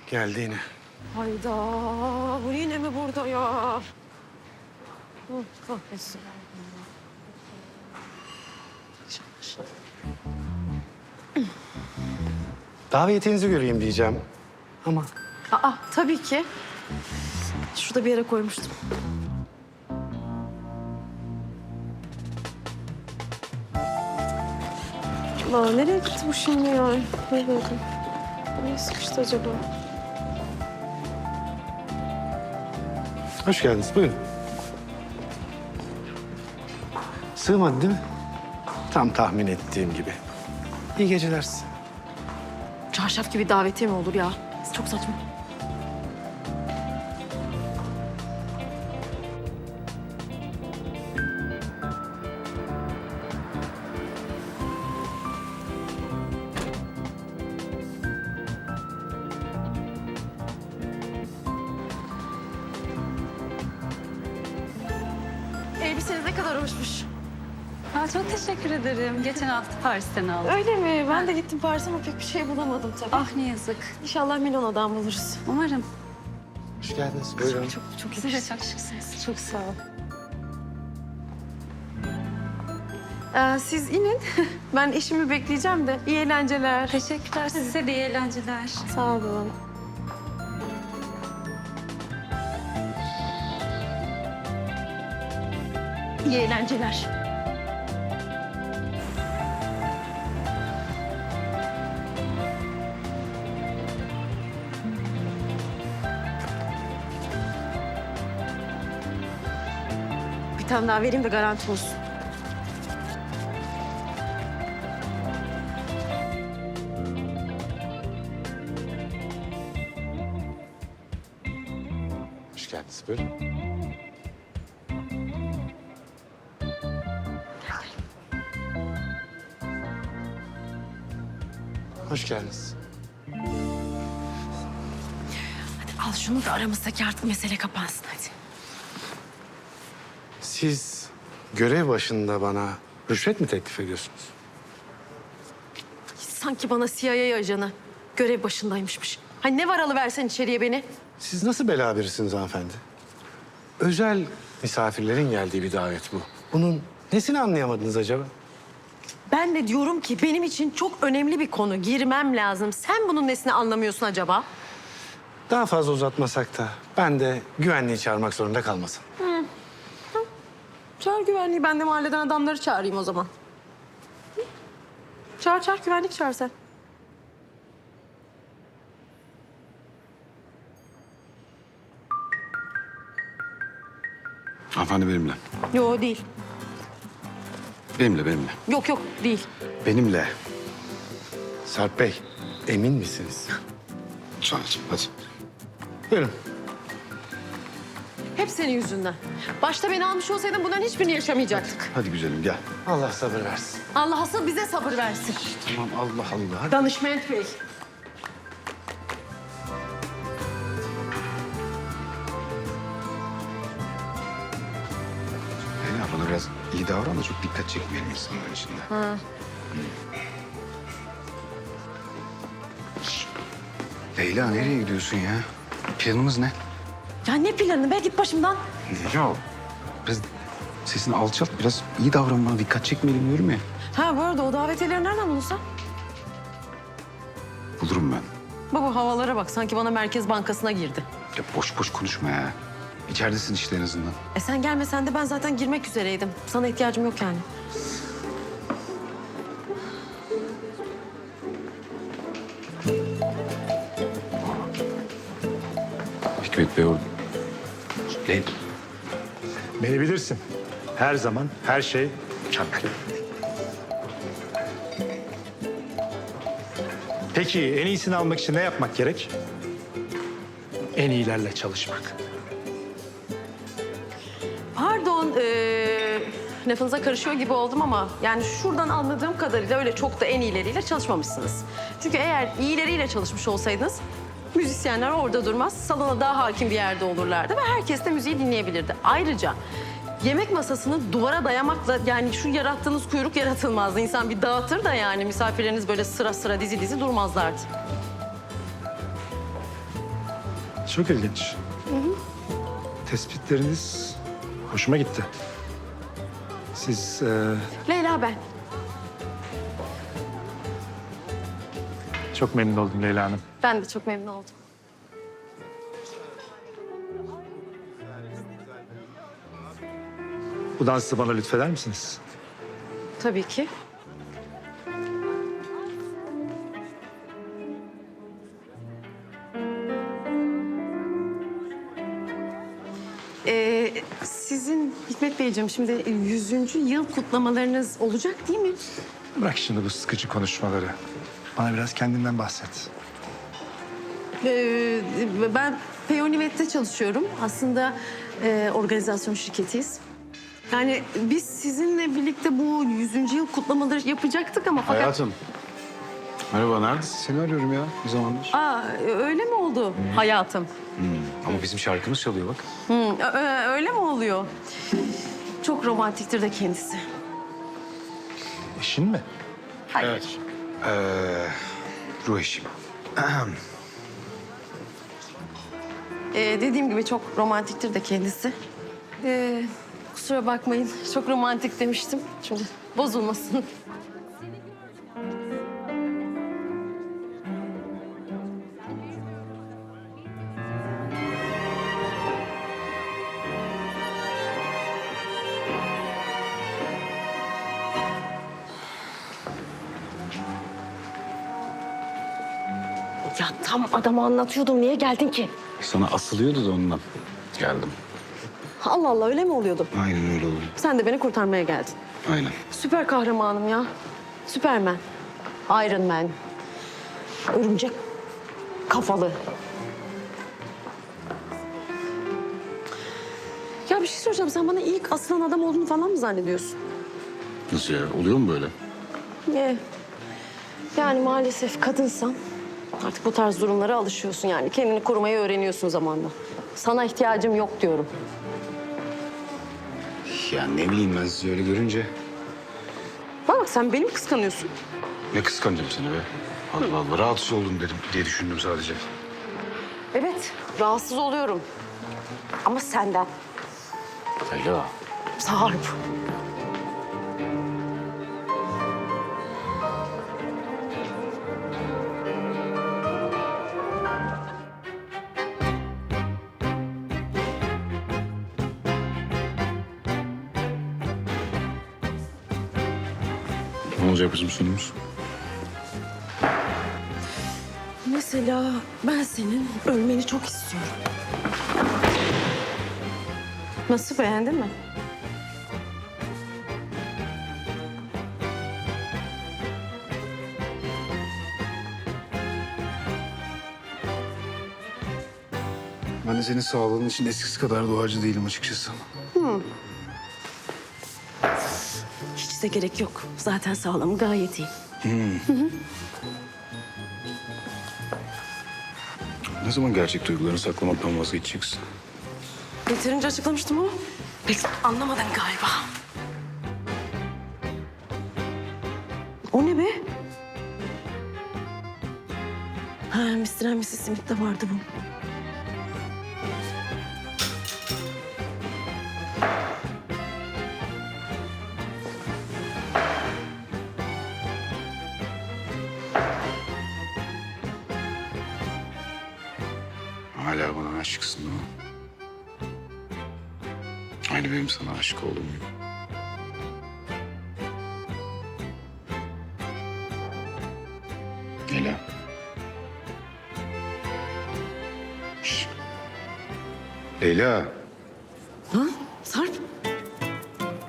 Geldi yine. Hayda, bu yine mi burada ya? Kahretsin. Davetiyenizi göreyim diyeceğim. Ama Aa, tabii ki. Şurada bir yere koymuştum. Allah, nereye gitti bu şimdi ya? Nereye sıkıştı acaba? hoş geldiniz. Buyurun. Sığmadı değil mi? Tam tahmin ettiğim gibi. İyi geceler size. Çarşaf gibi davetiye mi olur ya? Çok saçma. Elbiseniz ne kadar hoşmuş. Aa, çok teşekkür ederim. Geçen hafta Paris'ten aldım. Öyle mi? Ben de gittim Paris'e ama pek bir şey bulamadım tabii. Ah ne yazık. İnşallah Milano'dan buluruz. Umarım. Hoş geldiniz. Buyurun. Çok Siz de çok şıksınız. Çok sağ ol. Siz inin. Ben eşimi bekleyeceğim de. İyi eğlenceler. Teşekkürler. Size de iyi eğlenceler. Sağ olun. İyi eğlenceler. Bir tane daha vereyim de garanti olsun. Hoş geldiniz. Buyurun. Hoş geldiniz. Al şunu da aramızdaki artık mesele kapansın hadi. Siz görev başında bana rüşvet mi teklif ediyorsunuz? Sanki bana CIA ajanı görev başındaymışmış. Hani ne var alıversen içeriye beni. Siz nasıl bela birisiniz hanımefendi? Özel misafirlerin geldiği bir davet bu. Bunun nesini anlayamadınız acaba? Ben de diyorum ki benim için çok önemli bir konu. Girmem lazım. Sen bunun nesini anlamıyorsun acaba? Daha fazla uzatmasak da ben de güvenliği çağırmak zorunda kalmasın. Çağır güvenliği. Ben de mahalleden adamları çağırayım o zaman. Hı? Çağır güvenlik çağır sen. Hanımefendi benimle. Yo değil. Benimle. Yok değil. Benimle. Sarp Bey, emin misiniz? Sadece hadi. Buyurun. Hep senin yüzünden. Başta beni almış olsaydın bunların hiçbirini yaşamayacaktık. Hadi güzelim gel. Allah sabır versin. Allah asıl bize sabır versin. Tamam Allah Allah. Hadi. Danışment Bey. Leyla bana biraz iyi davran da çok dikkat çekmeyelim insanların içinde. Şş. Leyla nereye gidiyorsun ya? Planımız ne? Ya ne planı be? Git başımdan. Ya biraz sesini alçalt, biraz iyi davran bana, dikkat çekmeyelim diyorum ya. Ha bu arada o davetiyeleri nereden bulursan? Bulurum ben. Baba havalara bak. Sanki bana Merkez Bankası'na girdi. Ya boş boş konuşma ya. İçeridesin işte en azından. Sen gelmesen de ben zaten girmek üzereydim. Sana ihtiyacım yok yani. Hikmet Bey orada. Leyla. Beni bilirsin. Her zaman, her şey mükemmel. Peki en iyisini almak için ne yapmak gerek? En iyilerle çalışmak. Pardon, lafınıza karışıyor gibi oldum ama... yani şuradan anladığım kadarıyla öyle çok da en iyileriyle çalışmamışsınız. Çünkü eğer iyileriyle çalışmış olsaydınız... müzisyenler orada durmaz, salona daha hakim bir yerde olurlardı ve herkes de müziği dinleyebilirdi. Ayrıca yemek masasını duvara dayamakla yani şu yarattığınız kuyruk yaratılmazdı. İnsan bir dağıtır da yani misafirleriniz böyle sıra sıra dizi dizi durmazlardı. Çok ilginç. Tespitleriniz hoşuma gitti. Siz Leyla ben. çok memnun oldum Leyla Hanım. Ben de çok memnun oldum. Bu dansı bana lütfeder misiniz? Tabii ki. Sizin Hikmet Beyciğim şimdi 100. yıl kutlamalarınız olacak değil mi? Bırak şimdi bu sıkıcı konuşmaları. Bana biraz kendinden bahset. Ben Peyonimet'te çalışıyorum. Aslında organizasyon şirketiyiz. Yani biz sizinle birlikte bu 100. yıl kutlamaları yapacaktık ama fakat... Hayatım. Merhaba, neredesin? Seni arıyorum ya bir zamandır. Aa, öyle mi oldu hayatım? Ama bizim şarkımız çalıyor bak. Öyle mi oluyor? Çok romantiktir de kendisi. Eşin mi? Hayır. Ruh eşim. Dediğim gibi çok romantiktir de kendisi. Kusura bakmayın, çok romantik demiştim. Şimdi bozulmasın. Ya tam adama anlatıyordum. Niye geldin ki? Sana asılıyordu da ondan. Geldim. Allah Allah öyle mi oluyordu? Aynen öyle oldu. Sen de beni kurtarmaya geldin. Aynen. Süper kahramanım ya. Süpermen. Iron Man. Örümcek kafalı. Ya bir şey soracağım. Sen bana ilk asılan adam olduğunu falan mı zannediyorsun? Nasıl ya? Oluyor mu böyle? Yani maalesef kadınsan artık bu tarz durumlara alışıyorsun yani. Kendini korumayı öğreniyorsun zamanla. Sana ihtiyacım yok diyorum. Ya ne bileyim ben sizi öyle görünce. Bak sen beni mi kıskanıyorsun? Ne kıskanacağım seni be? Allah Allah, rahatsız oldum dedim diye düşündüm sadece. Evet, rahatsız oluyorum. Ama senden. Leyla. Sarp. Ne olacak bizim sonumuz? Mesela ben senin ölmeni çok istiyorum. Nasıl, beğendin mi? Ben de senin sağlığın için eskisi kadar doğacı değilim açıkçası. Hiç de gerek yok. Zaten sağlığım gayet iyi. Ne zaman gerçek duygularını saklamaktan vazgeçeceksin? Yeterince açıklamıştım ama pek anlamadın galiba. O ne be? Ha, Mr. and Mrs. Smith'te vardı bu. Hala bana aşıksın değil mi? Aynı benim sana aşık olduğum gibi. Leyla. Şşt. Leyla.